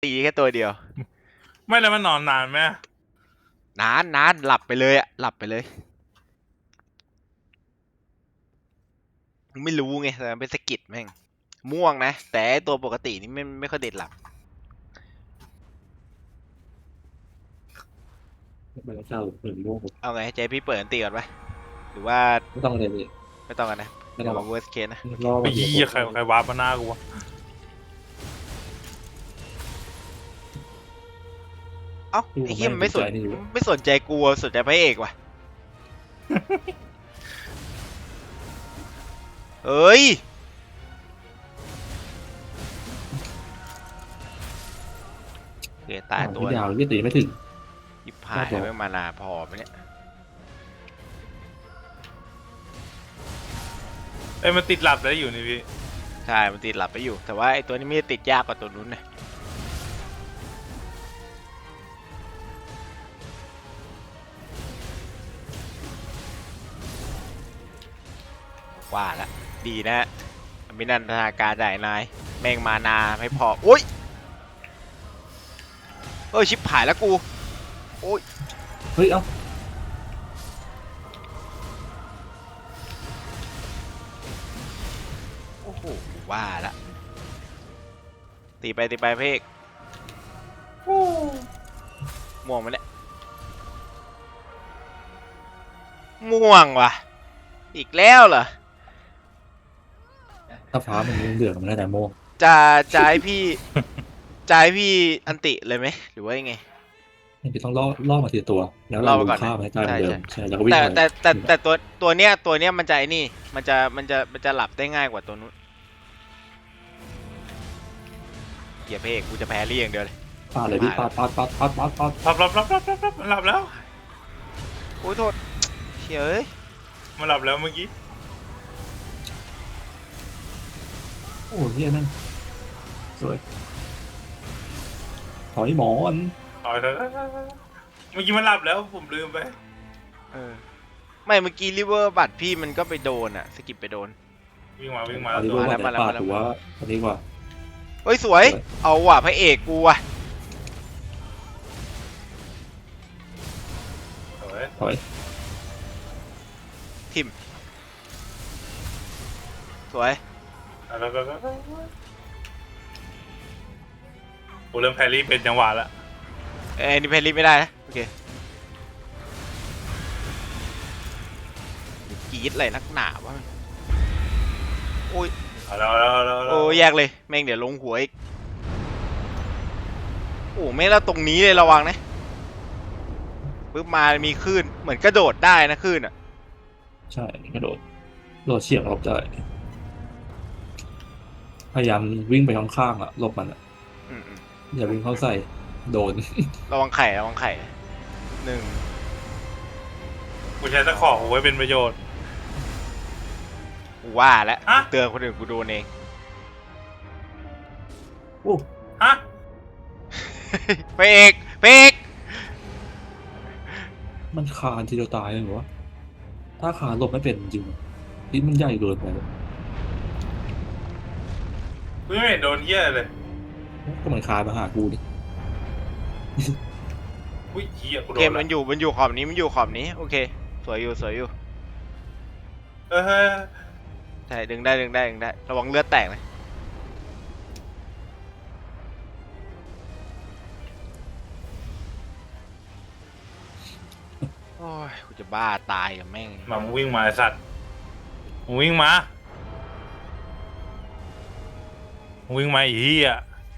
ตีแค่ตัวเดียวไม่แล้วมันนอนนานไหมนานหลับไปเลยอะหลับไปเลยไม่รู้ไงแต่มันเป็นสกิดแม่งม่วงนะแต่ตัวปกตินี่ไม่ค่อยเด็ดหลับมันเศร้าเหมือนโง่เอาไงให้ใจพี่เปิดอันตีก่อนปะหรือว่าไม่ต้องเลยพี่ไม่ต้องกันนะไม่ต้เดี๋ยวมาองหรอก worst case นะรอไอ้มาเดียวเหี้ยใครวาร์ปมาหน้ากูวะเอ้าไอ้เหี้ยมันไม่สนใจกูสนใจพระเอกว่ะเอ้ยเกตายตัวยาวพี่ตีไม่ถึงยิบหายไม่มานาพอไหมเนี่ยเอ้ยมันติดหลับแล้วอยู่นี่พี่ใช่มันติดหลับไปอยู่แต่ว่าไอ้ตัวนี้ไม่ได้ติดยากกว่าตัวนู้นนะว่าละดีนะมินันทนาการได้นายแม่งมานาไม่พอโอ้ยชิบหายแล้วกูโอ้ยเฮ้ยเอ้าโอ้โหว่าละตีไปเพกม่วงมันเนี่ยม่วงว่ะอีกแล้วเหรอถ้าฟ้ามันเหลืองมันได้แต่โม่จะให้พี่อันติเลยไหมหรือว่ายังไงพี่ต้องล่อมาทีตัวแล้วเราฆ่ามันให้ตายเหมือนเดิมใช่แล้วก็วิ่งไปแต่ตัวเนี้ยมันจะไอ้นี่มันจะหลับได้ง่ายกว่าตัวนู้นเกียร์เพกกูจะแพ้เรี่อย่างเดียวเลยปาดเลยพี่ปาดหลับแล้วโอ้ยโทษเฮ้ยมันหลับแล้วเมื่อกี้โอ้เฮียนั่นสวยถอยหมอนเมื่อกี้มันหลับแล้วผมลืมไปไม่เมื่อกี้ริเวอร์บัตรพี่มันก็ไปโดนอะสกิปไปโดนวิ่งมาอันนี้ว่าแต่ปาดถือว่าอันนี้ว่าเฮ้ยสวยเอาว่ะพระเอกกูว่ะถอยทิมสวยกูเริ่มแพรี่เป็นจังหวะแล้วนี่เพลลี่ไม่ได้นะโอเคกรีดอะไรนักหนาวะโอ้ยโอ้แยกเลยแม่งเดี๋ยวลงหัวอีกโอ้ไม่แล้วตรงนี้เลยระวังนะปึ๊บมามีคลื่นเหมือนกระโดดได้นะคลื่นอ่ะใช่กระโดดเฉียบออกได้พยายามวิ่งไปข้างๆอ่ะหลบมันอ่ะอย่าวิ่งเข้าใส่โดนระวังไข่หนึ่งกูใช้ตะขอไว้เป็นประโยชน์ว่าแล้วเตือนคนอื่นกูโดนเองโอ้ฮะเพกมันคานทีเดียวตายเลยเหรอถ้าคานหลบไม่เป็นจริงพิษมันใหญ่เกินไปกูไม่เห็นโดนเหี้ยเลยก็มันคานมาหากูดิอุ้ยเหี้ยกูโดนเกมมันอยู่ขอบนี้โอเคสวยอยู่ใช่ดึงได้ระวังเลือดแตกนะโอ้ยกูจะบ้าตายกับแม่งมามึงวิ่งมาไอ้สัตว์มึงวิ่งมาอีเหี้ย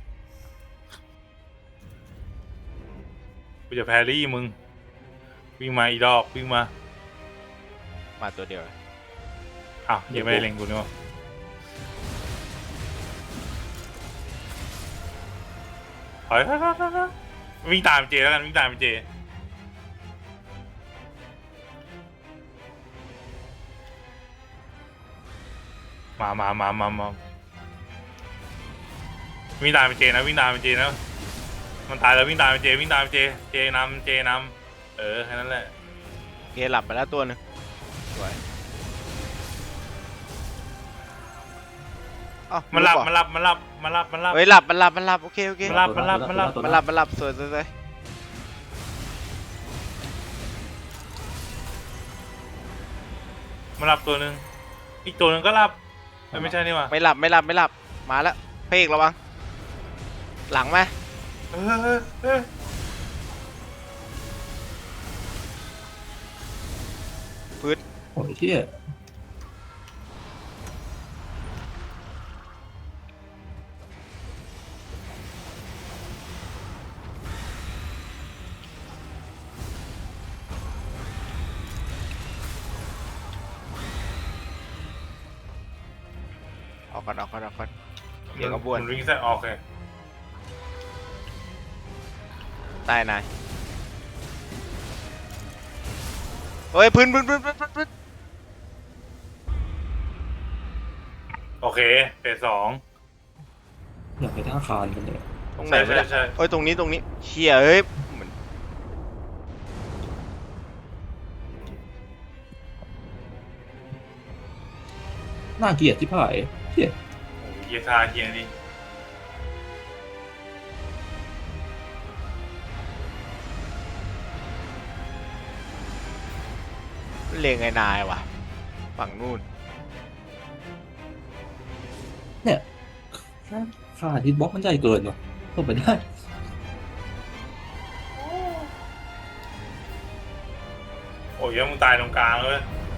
กูจะแพรี่มึงวิ่งมาอีดอกวิ่งมาตัวเดียวอ้าวยังไม่ได้เล็งกูนี่วะถอยวิ่งตามเจแล้วกันวิ่งตามเจมาวิ่งตามเจนะมันตายแล้ววิ่งตามเจเจนำแค่นั้นแหละเกหลับไปแล้วตัวนึงสวยอ้าวมันหลับรู้มันเหรอหลับมันหลับมันหลับมันหลับเฮ้ยหลับมันหลับมันหลับโอเคโอเคมันหลับมันหลับมันหลับมันหลับมันหลับสวยสวยสวยมันหลับตัวหนึ่งอีกตัวหนึ่งก็หลับไม่ใช่นี่หว่าไม่หลับไม่หลับไม่หลับมาแล้วเพกระวังหลังไหมเออเออพื้นโอ้ยเที่ยออกก่อนออกก่อนออกก่อนเดี๋ยวก็บ้วนมันวิ่งใส่ออกเลยใต้นายเฮ้ยพื้นพื้นพื้นพื้นพื้นพื้นโอเคเฟสสองอยากไปท่าคานกันเลยตรงไหนใช่วะใช่เนี่ยใช่เอ้ยตรงนี้ตรงนี้เชี่ยเอ้ยเหมือนน่าเกลียดที่ผ่ายเที่ยโอ้ยเฮียซาเฮียนี่เลงไอ้นายว่ะฝั่งนู่นเนี่ยค่าฮิตบ็อกมันใหญ่เกินว่ะเข้าไปได้โอ้ยยังมึงตายตรงกลางเลย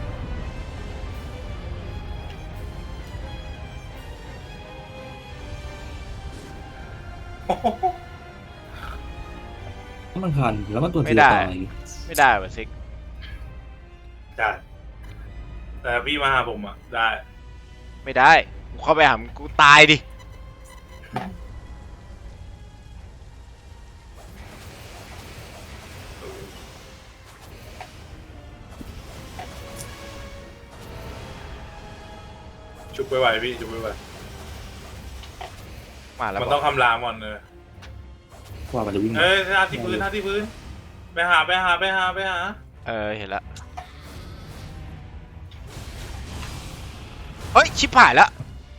ถ้ามันคันแล้วมันตัวไม่ทีได้ตายไม่ได้ว่ะซิกได้แต่พี่มาหาผมอ่ะได้ไม่ได้กูเข้าไปหามึงกูตายดิชุบไปไหวพี่ชุบไปไหวมาแล้วมันบต้ออก งคำรามก่อนเลยว่ามันจะวิ่งเอ้ยท่าที่พื้นท่าที่พื้นไปหาไปหาไปหาไปหาเห็นละเฮ้ยชิบหายแล้ว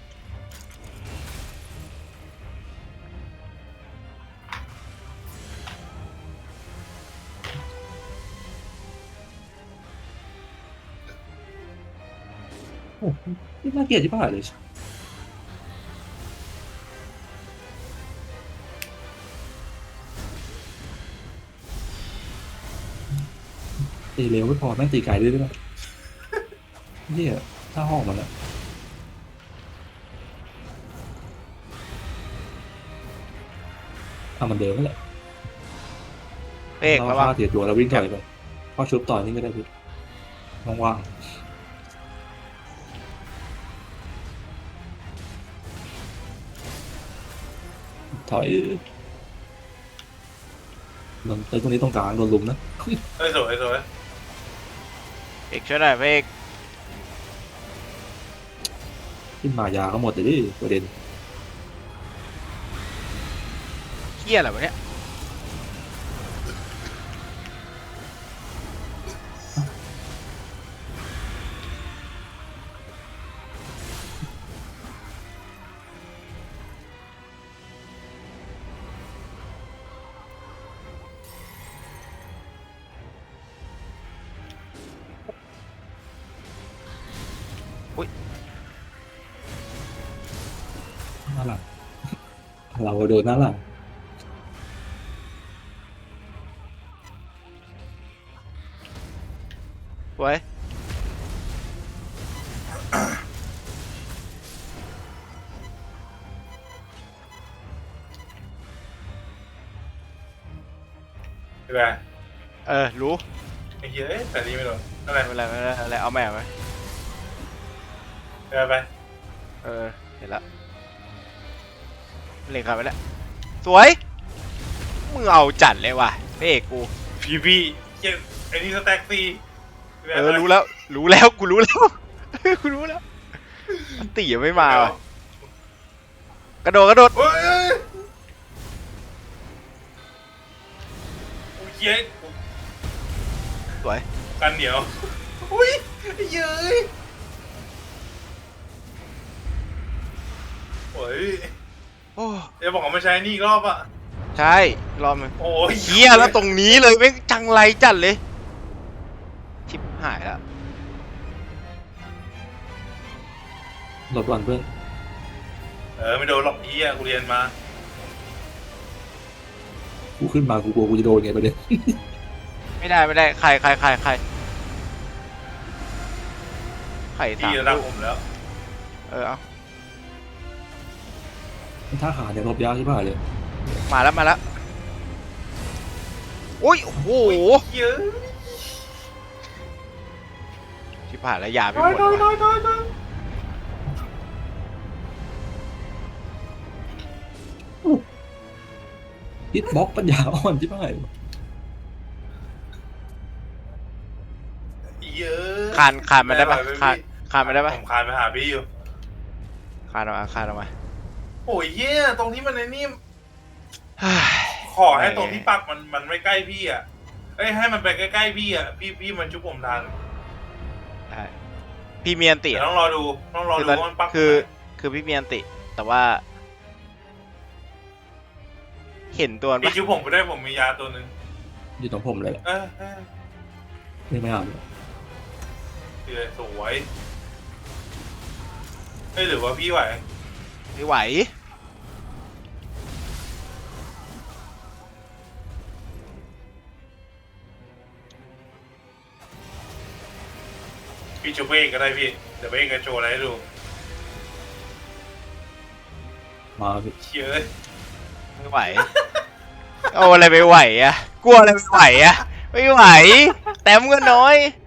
โอ้โหนี่น่าเกลียดที่ผ่ายเลยตีเร็วไม่พอแม่งตีไกลด้วยด้วยเหี้ยถ้าห้องมันอะมันเดิมนั่นแหละเพกระวังฆ่าเสียตัวแล้ววิ่งถอยไปพอชุบต่อยนี่ก็ได้พี่ว่างๆถอยมันไอ้ตรงนี้ตรงกลางโดนลุมนะเอ้ยสวยสวยเพกช่วยหน่อยเพกขึ้นมายาก็หมดเลยดิประเด็นเฮี้ยอะไรวะเนี่ยอุ้ยหน้าหลังเราโดนหน้าหลังสวยใช่ไหมรู้ไอ้เหี้ยเอ้ยแต่นี่ไม่โดนอะไรไม่เป็นไรไม่เป็นไรอะไรเอาแม่ไหมไปไปเห็นละเล็งขาไปแล้วสวยมึงเอาจัดเลยว่ะเพกกูพี่เหี้ยไอ้นี่สแต็กซี่รู้แล้วรู้แล้วกูรู้แล้ว กูรู้แล้วอันตียังไม่มาว่ะกระโดดกระโดดเฮ้ยโอ้ยเหี้ยสวยกันเหนียวอุ้ยเย้ยวยโอ้เดี๋ยวบอกว่าไม่ใช้นี่อีกรอบอ่ะใช่รอบนึงโอ้ยเฮียแล้วตรงนี้เลยไม่งจังไรจัดเลยชิบหายแล้วหลบก่อนเพื่อนไม่โดนหรอกพี่อ่ะกูเรียนมากูขึ้นมากูกลัวกูจะโดนไงประเด็นไม่ได้ใครไข่สาพี่มระดับลูกผมแล้วเอาถ้าขาเนี่ยหลบยากใช่ป่ะเลยมาแล้วโอ้ยโอ้โหเยอะชิบหายแล้วยาไม่น้หอยมดน้อยน้อว่ะยน้อยน้อยฮิตบ็อกปัญญาอ่อนใช่ป่ะเยอะคานมาได้ปะคานมาได้ปะผมคานไปหาพี่อยู่คานออกมาโอ้ยเย่ตรงที่มันในนี่เฮ้ยขอให้ตรงที่ปักมันไม่ใกล้พี่อ่ะให้มันไปใกล้ๆพี่อ่ะพี่มันชุบผมทันได้พี่เมียนติเดี๋ยวต้องรอดูว่ามันปักคือพี่เมียนติ แต่ว่า เห็นตัวมันพี่ปะชุบผมไปได้ผมมียาตัวหนึ่งอยู่ตรงผมเลยแหละไม่เอาเลยสวยหรือว่าพี่ไหวไม่ไหวพี่ชุบเองก็ได้พี่เดี๋ยวเองจะโชว์อะไรให้ดูมาพี่เชื่อไม่ไหว เอาอะไรไปไหวอะกลัวอะไรไปไหวอะไม่ไหว แต้มก็น้อย